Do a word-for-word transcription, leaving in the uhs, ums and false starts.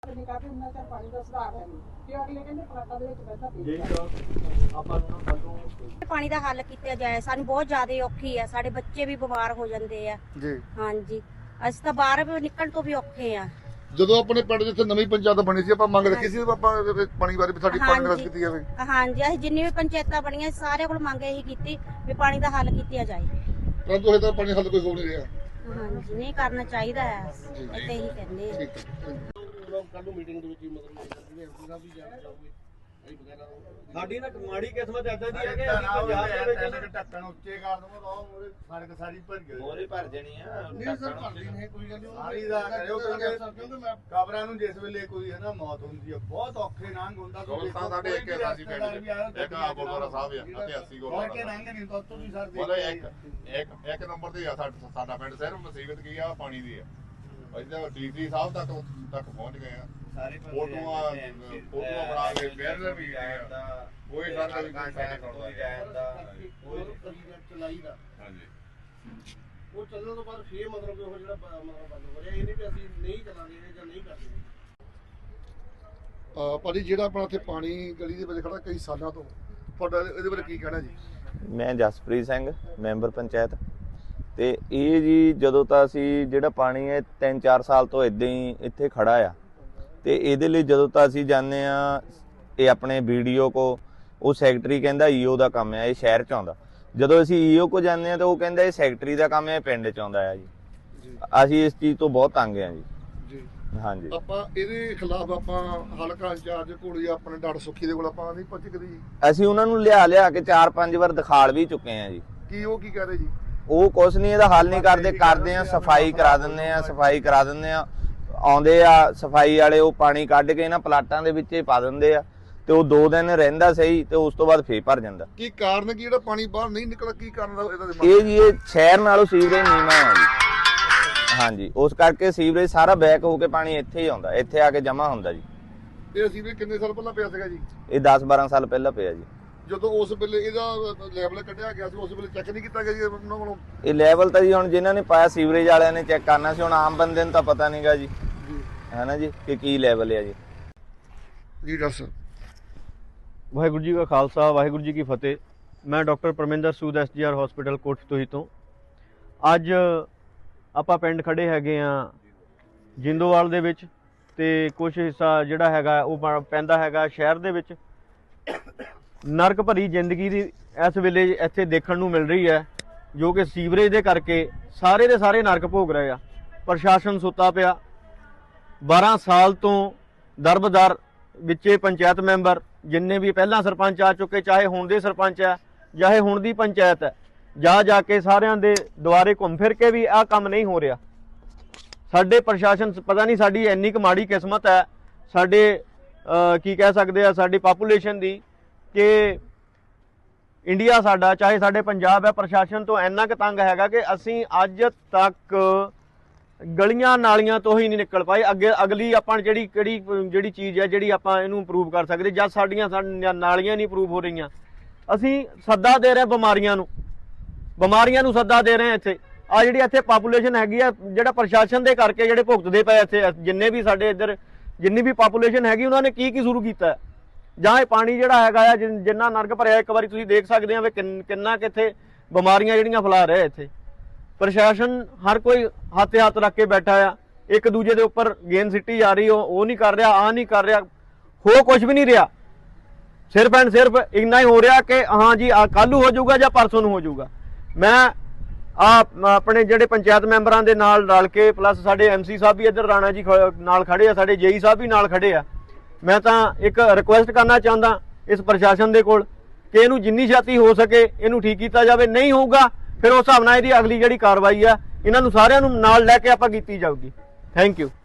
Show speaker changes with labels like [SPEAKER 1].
[SPEAKER 1] पानी का हल किया जाए, सानू बहुत ज्यादा औखी है, साडे बच्चे भी बीमार हो जाते हैं जी। हाँ जी, अस तो बाहर निकल तो भी औखे हैं।
[SPEAKER 2] ਜਦੋਂ ਆਪਣੇ ਪਿੰਡ ਜਿੱਥੇ ਨਵੀਂ ਪੰਚਾਇਤ ਬਣੀ ਸੀ ਆਪਾਂ ਮੰਗ ਰੱਖੀ ਸੀ ਆਪਾਂ ਪਾਣੀ ਬਾਰੇ ਵੀ ਸਾਡੀ ਪਾਣੀ ਨਿਕਾਸ ਕੀਤੀ ਜਾਵੇ।
[SPEAKER 1] हाँ जी, ਅਸੀਂ ਜਿੰਨੀ ਵੀ ਪੰਚਾਇਤਾਂ ਬਣੀਆਂ ਸਾਰੇ ਕੋਲ ਮੰਗ ਇਹੀ ਕੀਤੀ ਵੀ ਪਾਣੀ ਦਾ ਹੱਲ ਕੀਤਾ ਜਾਏ,
[SPEAKER 2] ਪਰੰਤੂ ਇਹ ਤਾਂ ਪਾਣੀ ਹੱਲ ਕੋਈ ਹੋ ਨਹੀਂ ਰਿਹਾ।
[SPEAKER 1] ਹਾਂ ਜੀ, ਨਹੀਂ ਕਰਨਾ ਚਾਹੀਦਾ ਹੈ, ਇੱਥੇ ਹੀ ਕਹਿੰਦੇ ਆ।
[SPEAKER 3] ਕੱਲ ਮੀਟਿੰਗ ਦੇ ਵਿੱਚ ਮਤਲਬ ਐਮਪੀ ਸਾਹਿਬ ਵੀ ਜਾਣ ਜਾਓਗੇ ਸਾਡੀ ਨਾ ਮਾੜੀ ਕਿਸਮਤ ਐਦਾਂ ਦੀ ਹੈ ਕਿ ਅਸੀਂ ਪੰਜਾਬ ਦੇ ਵਿੱਚ ਢੱਕਣ ਉੱਚੇ ਕਰ ਦਵਾਂਗੇ ਤਾਂ ਮੋਰੇ ਸੜਕ ਸਾਰੀ ਭਰ ਗਈ, ਮੋਰੇ ਭਰ ਜਣੀ ਆ। ਨਹੀਂ ਸਰ, ਭਰਦੀ ਨਹੀਂ ਕੋਈ ਗੱਲ ਨਹੀਂ, ਸਾਰੀ ਦਾ ਕਰਿਓ ਕਿਉਂਕਿ ਮੈਂ ਕਬਰਾਂ ਨੂੰ ਜਿਸ ਵੇਲੇ ਕੋਈ ਹੈ ਨਾ ਮੌਤ ਹੁੰਦੀ ਹੈ ਬਹੁਤ ਔਖੇ ਲੰਘ ਹੁੰਦਾ।
[SPEAKER 2] ਦੋਸਤਾਂ ਸਾਡੇ ਇੱਕ ਰਾਸੀ ਪਿੰਡ ਇੱਕ ਆ ਗੁਰਦੁਆਰਾ ਸਾਹਿਬ ਆ ਅਤੇ ਅੱਸੀ ਗੁਰਦੁਆਰਾ
[SPEAKER 3] ਕੇ ਲੰਘ ਨਹੀਂ ਤਾਂ ਤੋਂ ਵੀ ਸਰ
[SPEAKER 2] ਉਹਦਾ ਇੱਕ ਇੱਕ ਇੱਕ ਨੰਬਰ ਤੇ ਆ ਸਾਡਾ ਪਿੰਡ ਸਿਰਫ ਮੁਸੀਬਤ ਕੀ ਆ ਪਾਣੀ ਦੀ ਆ। ਇੱਧਰ ਡੀਸੀ ਸਾਹਿਬ ਤੱਕ ਤੱਕ ਪਹੁੰਚ ਗਏ ਆ, ਸਾਰੇ ਫੋਟੋਆਂ ਫੋਟੋਆਂ ਬਣਾ ਕੇ ਬੈਨਰ ਵੀ ਕੋਈ ਸਾਡਾ ਵੀ ਕੋਈ ਸਾਡਾ ਕੋਈ ਜਾਂਦਾ ਕੋਈ
[SPEAKER 3] ਚਲਾਈ ਦਾ।
[SPEAKER 2] ਹਾਂਜੀ,
[SPEAKER 3] ਉਹ ਚੱਲਣ ਤੋਂ ਬਾਅਦ ਫੇਰ ਮਤਲਬ ਉਹ ਜਿਹੜਾ ਬੰਦ ਹੋ ਰਿਹਾ, ਇਹ ਨਹੀਂ ਵੀ ਅਸੀਂ ਨਹੀਂ ਚਲਾਂਗੇ ਜਾਂ ਨਹੀਂ ਕਰਦੇ।
[SPEAKER 2] ਆ ਭਾਜੀ ਜਿਹੜਾ ਆਪਣਾ ਇੱਥੇ ਪਾਣੀ ਗਲੀ ਦੇ ਵਿੱਚ ਖੜਾ ਕਈ ਸਾਲਾਂ ਤੋਂ, ਤੁਹਾਡਾ ਇਹਦੇ ਬਾਰੇ ਕੀ ਕਹਿਣਾ ਜੀ?
[SPEAKER 4] ਮੈਂ ਜਸਪ੍ਰੀਤ ਸਿੰਘ, ਮੈਂਬਰ ਪੰਚਾਇਤ। ਤੇ ਇਹ ਜੀ ਜਦੋਂ ਤਾਂ ਅਸੀਂ ਜਿਹੜਾ ਪਾਣੀ ਹੈ ਤਿੰਨ ਚਾਰ ਸਾਲ ਤੋਂ ਇਦਾਂ ਹੀ ਇੱਥੇ ਖੜਾ ਆ, ਤੇ ਇਹਦੇ ਲਈ ਜਦੋਂ ਤਾਂ ਅਸੀਂ ਜਾਂਦੇ ਆ ਇਹ ਆਪਣੇ ਵੀਡੀਓ ਕੋ, ਉਹ ਸੈਕਟਰੀ ਕਹਿੰਦਾ ਈਓ ਦਾ ਕੰਮ ਹੈ, ਇਹ ਸ਼ਹਿਰ ਚ ਆਉਂਦਾ। ਜਦੋਂ ਅਸੀਂ ਈਓ ਕੋ ਜਾਂਦੇ ਆ ਤਾਂ ਉਹ ਕਹਿੰਦਾ ਇਹ ਸੈਕਟਰੀ ਦਾ ਕੰਮ ਹੈ, ਪਿੰਡ ਚ ਆਉਂਦਾ ਆ ਜੀ। ਅਸੀਂ ਇਸ ਚੀਜ਼ ਤੋਂ ਬਹੁਤ ਤੰਗ ਆ ਜੀ।
[SPEAKER 2] ਜੀ
[SPEAKER 4] ਹਾਂਜੀ,
[SPEAKER 2] ਆਪਾਂ ਇਹਦੇ ਖਿਲਾਫ ਆਪਾਂ ਹਲਕਾ ਇੰਚਾਰਜ ਕੋਲ ਜਾਂ ਆਪਣੇ ਡਾਕਟਰ ਸੁੱਖੀ ਦੇ ਕੋਲ ਆਪਾਂ ਨਹੀਂ ਪਹੁੰਚ ਕਦੀ?
[SPEAKER 4] ਅਸੀਂ ਉਹਨਾਂ ਨੂੰ ਲਿਆ ਲਿਆ ਕੇ ਚਾਰ ਪੰਜ ਵਾਰ ਦਿਖਾਲ ਵੀ ਚੁੱਕੇ ਆ ਜੀ।
[SPEAKER 2] ਕੀ ਉਹ ਕੀ ਕਹਿ ਰਹੇ ਜੀ?
[SPEAKER 4] ਉਹ ਕੁਛ ਨਹੀਂ, ਇਹਦਾ ਹੱਲ ਨਹੀਂ ਕਰਦੇ। ਕਰਦੇ ਆ ਸਫਾਈ ਕਰਾ ਦਿੰਦੇ ਆ, ਸਫਾਈ ਕਰਾ ਦਿੰਦੇ ਆ, ਆਉਂਦੇ ਆ ਸਫਾਈ ਵਾਲੇ, ਉਹ ਪਾਣੀ ਕੱਢ ਕੇ ਇਹਨਾਂ ਪਲਾਟਾਂ ਦੇ ਵਿੱਚ ਹੀ ਪਾ ਦਿੰਦੇ ਆ, ਤੇ ਉਹ ਦੋ ਦਿਨ ਰਹਿੰਦਾ ਸਹੀ ਤੇ ਉਸ ਤੋਂ ਬਾਅਦ ਫੇਰ ਭਰ ਜਾਂਦਾ।
[SPEAKER 2] ਕੀ ਕਾਰਨ ਕੀ ਜਿਹੜਾ ਪਾਣੀ ਬਾਹਰ ਨਹੀਂ ਨਿਕਲਦਾ, ਕੀ ਕਾਰਨ ਦਾ ਇਹਦਾ?
[SPEAKER 4] ਇਹ ਜੀ ਇਹ ਸ਼ਹਿਰ ਨਾਲੋਂ ਸੀਵਰੇਜ ਨੀਵਾਂ ਆ ਜੀ। ਹਾਂਜੀ, ਉਸ ਕਰਕੇ ਸੀਵਰੇਜ ਸਾਰਾ ਬੈਕ ਹੋ ਕੇ ਪਾਣੀ ਇੱਥੇ ਹੀ ਆਉਂਦਾ, ਇੱਥੇ ਆ ਕੇ ਜਮਾ ਹੁੰਦਾ ਜੀ।
[SPEAKER 2] ਇਹ ਸੀਵਰੇਜ ਕਿੰਨੇ ਸਾਲ ਪਹਿਲਾਂ ਪਿਆ ਸੀਗਾ ਜੀ?
[SPEAKER 4] ਇਹ ਦਸ ਬਾਰਾਂ ਸਾਲ ਪਹਿਲਾਂ ਪਿਆ ਜੀ।
[SPEAKER 2] ਜਦੋਂ ਉਸ ਵੇਲੇ ਇਹਦਾ ਲੈਵਲ ਕੱਢਿਆ ਗਿਆ ਸੀ, ਉਸ ਵੇਲੇ ਚੈੱਕ ਨਹੀਂ ਕੀਤਾ ਗਿਆ ਜੀ ਉਹਨਾਂ ਕੋਲੋਂ?
[SPEAKER 4] ਇਹ ਲੈਵਲ ਤਾਂ ਜੀ ਹੁਣ ਜਿਨ੍ਹਾਂ ਨੇ ਪਾਇਆ ਸੀਵਰੇਜ ਵਾਲਿਆਂ ਨੇ ਚੈੱਕ ਕਰਨਾ ਸੀ, ਹੁਣ ਆਮ ਬੰਦੇ ਨੂੰ ਤਾਂ ਪਤਾ ਨਹੀਂਗਾ ਜੀ, ਹੈ ਨਾ ਜੀ, ਕਿ ਕੀ ਲੈਵਲ ਹੈ ਜੀ।
[SPEAKER 2] ਜੀ ਡਾਕਟਰ
[SPEAKER 5] ਵਾਹਿਗੁਰੂ ਜੀ ਕਾ ਖਾਲਸਾ, ਵਾਹਿਗੁਰੂ ਜੀ ਕੀ ਫਤਿਹ। ਮੈਂ doctor Parminder Sood S G R hospital Kotfatuhi ਤੋਂ। ਅੱਜ ਆਪਾਂ ਪਿੰਡ ਖੜੇ ਹੈਗੇ ਆ ਜਿੰਦੋਵਾਲ ਦੇ ਵਿੱਚ, ਤੇ ਕੁਝ ਹਿੱਸਾ ਜਿਹੜਾ ਹੈਗਾ ਉਹ ਪੈਂਦਾ ਹੈਗਾ ਸ਼ਹਿਰ ਦੇ ਵਿੱਚ। ਨਰਕ ਭਰੀ ਜ਼ਿੰਦਗੀ ਦੀ ਇਸ ਵੇਲੇ ਇੱਥੇ ਦੇਖਣ ਨੂੰ ਮਿਲ ਰਹੀ ਹੈ, ਜੋ ਕਿ ਸੀਵਰੇਜ ਦੇ ਕਰਕੇ ਸਾਰੇ ਦੇ ਸਾਰੇ ਨਰਕ ਭੋਗ ਰਹੇ ਆ। ਪ੍ਰਸ਼ਾਸਨ ਸੁੱਤਾ ਪਿਆ। ਬਾਰਾਂ ਸਾਲ ਤੋਂ ਦਰਬਦਰ ਵਿੱਚੇ ਪੰਚਾਇਤ ਮੈਂਬਰ ਜਿੰਨੇ ਵੀ ਪਹਿਲਾਂ ਸਰਪੰਚ ਆ ਚੁੱਕੇ, ਚਾਹੇ ਹੁਣ ਦੇ ਸਰਪੰਚ ਹੈ ਚਾਹੇ ਹੁਣ ਦੀ ਪੰਚਾਇਤ ਹੈ, ਜਾ ਜਾ ਕੇ ਸਾਰਿਆਂ ਦੇ ਦੁਆਰੇ ਘੁੰਮ ਫਿਰ ਕੇ ਵੀ ਆਹ ਕੰਮ ਨਹੀਂ ਹੋ ਰਿਹਾ। ਸਾਡੇ ਪ੍ਰਸ਼ਾਸਨ ਪਤਾ ਨਹੀਂ ਸਾਡੀ ਇੰਨੀ ਕੁ ਮਾੜੀ ਕਿਸਮਤ ਹੈ, ਸਾਡੇ ਕੀ ਕਹਿ ਸਕਦੇ ਆ, ਸਾਡੀ ਪਾਪੂਲੇਸ਼ਨ ਦੀ, ਕਿ ਇੰਡੀਆ ਸਾਡਾ ਚਾਹੇ ਸਾਡੇ ਪੰਜਾਬ ਹੈ, ਪ੍ਰਸ਼ਾਸਨ ਤੋਂ ਇੰਨਾ ਕੁ ਤੰਗ ਹੈਗਾ ਕਿ ਅਸੀਂ ਅੱਜ ਤੱਕ ਗਲੀਆਂ ਨਾਲੀਆਂ ਤੋਂ ਹੀ ਨਹੀਂ ਨਿਕਲ ਪਾਏ। ਅੱਗੇ ਅਗਲੀ ਆਪਾਂ ਜਿਹੜੀ ਕਿਹੜੀ ਜਿਹੜੀ ਚੀਜ਼ ਹੈ ਜਿਹੜੀ ਆਪਾਂ ਇਹਨੂੰ ਇੰਪਰੂਵ ਕਰ ਸਕਦੇ, ਜਦ ਸਾਡੀਆਂ ਨਾਲੀਆਂ ਨਹੀਂ ਇੰਪਰੂਵ ਹੋ ਰਹੀਆਂ। ਅਸੀਂ ਸੱਦਾ ਦੇ ਰਹੇ ਬਿਮਾਰੀਆਂ ਨੂੰ, ਬਿਮਾਰੀਆਂ ਨੂੰ ਸੱਦਾ ਦੇ ਰਹੇ ਇੱਥੇ। ਆ ਜਿਹੜੀ ਇੱਥੇ ਪਾਪੂਲੇਸ਼ਨ ਹੈਗੀ ਆ, ਜਿਹੜਾ ਪ੍ਰਸ਼ਾਸਨ ਦੇ ਕਰਕੇ ਜਿਹੜੇ ਭੁਗਤਦੇ ਪਏ ਇੱਥੇ ਜਿੰਨੇ ਵੀ ਸਾਡੇ ਇੱਧਰ ਜਿੰਨੀ ਵੀ ਪਾਪੂਲੇਸ਼ਨ ਹੈਗੀ, ਉਹਨਾਂ ਨੇ ਕੀ ਕੀ ਸ਼ੁਰੂ ਕੀਤਾ? ਜਾਂ ਇਹ ਪਾਣੀ ਜਿਹੜਾ ਹੈਗਾ ਆ ਜਿੰਨਾ ਨਰਕ ਭਰਿਆ, ਇੱਕ ਵਾਰੀ ਤੁਸੀਂ ਦੇਖ ਸਕਦੇ ਆ ਵੀ ਕਿੰਨਾ ਕਿੱਥੇ ਬਿਮਾਰੀਆਂ ਜਿਹੜੀਆਂ ਫੈਲਾ ਰਿਹਾ ਇੱਥੇ। ਪ੍ਰਸ਼ਾਸਨ ਹਰ ਕੋਈ ਹੱਥ ਹੱਥ ਰੱਖ ਕੇ ਬੈਠਾ ਆ, ਇੱਕ ਦੂਜੇ ਦੇ ਉੱਪਰ ਗੇਂਦ ਸਿੱਟੀ ਜਾ ਰਹੀ, ਉਹ ਉਹ ਨਹੀਂ ਕਰ ਰਿਹਾ, ਆਹ ਨਹੀਂ ਕਰ ਰਿਹਾ, ਹੋ ਕੁਝ ਵੀ ਨਹੀਂ ਰਿਹਾ। ਸਿਰਫ ਐਂਡ ਸਿਰਫ ਇੰਨਾ ਹੀ ਹੋ ਰਿਹਾ ਕਿ ਹਾਂ ਜੀ ਆ ਕੱਲ੍ਹ ਨੂੰ ਹੋ ਜਾਊਗਾ ਜਾਂ ਪਰਸੋਂ ਨੂੰ ਹੋ ਜਾਊਗਾ। ਮੈਂ ਆ ਆਪਣੇ ਜਿਹੜੇ ਪੰਚਾਇਤ ਮੈਂਬਰਾਂ ਦੇ ਨਾਲ ਰਲ ਕੇ, ਪਲੱਸ ਸਾਡੇ ਐਮਸੀ ਸਾਹਿਬ ਵੀ ਇੱਧਰ ਰਾਣਾ ਜੀ ਨਾਲ ਖੜੇ ਆ, ਸਾਡੇ ਜੇਈ ਸਾਹਿਬ ਵੀ ਨਾਲ ਖੜੇ ਆ। ਮੈਂ ਤਾਂ ਇੱਕ ਰਿਕੁਐਸਟ ਕਰਨਾ ਚਾਹੁੰਦਾ ਇਸ ਪ੍ਰਸ਼ਾਸਨ ਦੇ ਕੋਲ ਕਿ ਇਹਨੂੰ ਜਿੰਨੀ ਛੇਤੀ ਹੋ ਸਕੇ ਇਹਨੂੰ ਠੀਕ ਕੀਤਾ ਜਾਵੇ। ਨਹੀਂ ਹੋਊਗਾ ਫਿਰ ਉਸ ਹਿਸਾਬ ਨਾਲ ਇਹਦੀ ਅਗਲੀ ਜਿਹੜੀ ਕਾਰਵਾਈ ਆ ਇਹਨਾਂ ਨੂੰ ਸਾਰਿਆਂ ਨੂੰ ਨਾਲ ਲੈ ਕੇ ਆਪਾਂ ਕੀਤੀ ਜਾਊਗੀ। Thank you.